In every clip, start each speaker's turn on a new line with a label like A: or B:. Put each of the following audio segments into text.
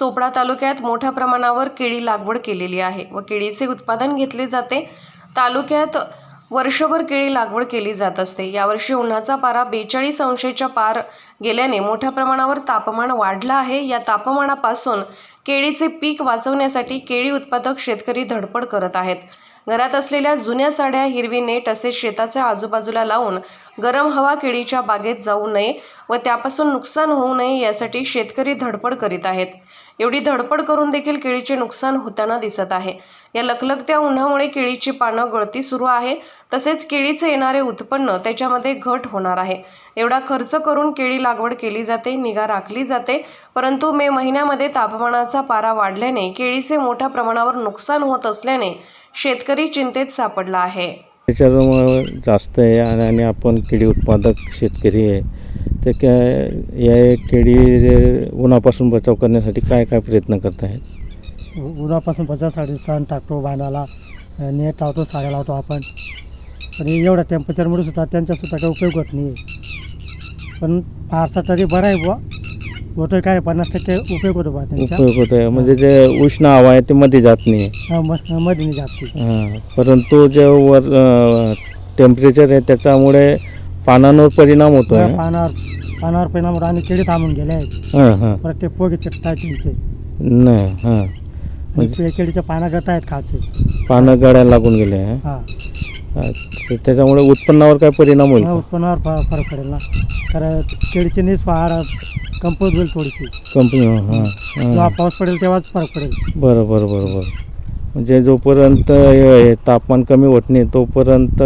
A: चोपडा तालुक्यात मोठ्या प्रमाणावर केळी लागवड केलेली आहे व केळीचे उत्पादन घेतले जाते। तालुक्यात वर्षभर केळी लागवड केली जात असते। यावर्षी उन्हाचा पारा 42 अंशाच्या पार गेल्याने मोठ्या प्रमाणावर तापमान वाढलं आहे। या तापमानापासून केळीचे पीक वाचवण्यासाठी केळी उत्पादक शेतकरी धडपड करत आहेत। घरात असलेल्या जुन्या साड्या, हिरवी नेट असे शेताच्या आजूबाजूला लावून गरम हवा केळीच्या बागेत जाऊ नये व त्यापासून नुकसान होऊ नये यासाठी शेतकरी धडपड करीत आहेत। एवढी धडपड करून देखील केळीचे नुकसान होताना दिसत आहे। या लखलखत्या उन्हामुळे केळीची पानं गळती सुरू आहे, तसेच केळीचे येणारे उत्पन्न त्याच्यामध्ये घट होणार आहे। एवढा खर्च करून केळी लागवड केली जाते, निगा राखली जाते, परंतु मे महिन्यामध्ये तापमानाचा पारा वाढल्याने केळीचे मोठ्या प्रमाणावर नुकसान होत असल्याने शेतकरी चिंतेत सापडला आहे।
B: त्याच्यामुळे जास्त आहे आणि आपण केळी उत्पादक शेतकरी आहे, तर या केळी उन्हापासून बचाव करण्यासाठी काय काय प्रयत्न करत आहेत?
C: उन्हापासून बचावासाठी सण टाकतो, बांधाला नेट लावतो, साड्या लावतो आपण, पण एवढ्या टेम्परेचरमुळे सुद्धा त्यांचासुद्धा काही उपयोग होत नाही आहे। पण फारसा तरी बरं आहे बुवा, होतो काय 50% उपयोग होतो बा त्यांचा,
B: उपयोग होतो आहे। म्हणजे जे उष्ण हवा आहे ते मध्ये जात नाही,
C: मध्ये नाही जात ती।
B: परंतु जे वर टेम्परेचर आहे त्याच्यामुळे पानांवर परिणाम होतो आहे।
C: पानावर परिणाम होतो आणि केळी थांबून गेले आहेत। परत ते पोगे चिकटाय त्यांचे
B: नाही,
C: म्हणजे केळीच्या पानं गळत आहेत, खालचे
B: पानं गळायला लागून गेले आहे। त्याच्यामुळे उत्पन्नावर काय परिणाम होईल?
C: उत्पन्नावर फरक पडेल ना, कारण केळीची नीस पहाड कंपोज होईल थोडीशी, जेव्हा पाऊस पडेल तेव्हाच फरक पडेल।
B: बरोबर बरोबर। म्हणजे जोपर्यंत तापमान कमी होत नाही तोपर्यंत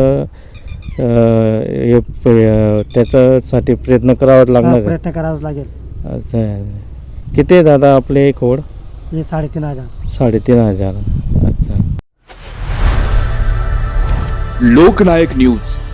B: त्याच्यासाठी प्रयत्न करावाच लागणार,
C: प्रयत्न करावाच लागेल।
B: अच्छा, किती आहे दादा आपले खोड?
C: हे 3,500।
B: 3,500। अच्छा।
D: लोकनायक न्यूज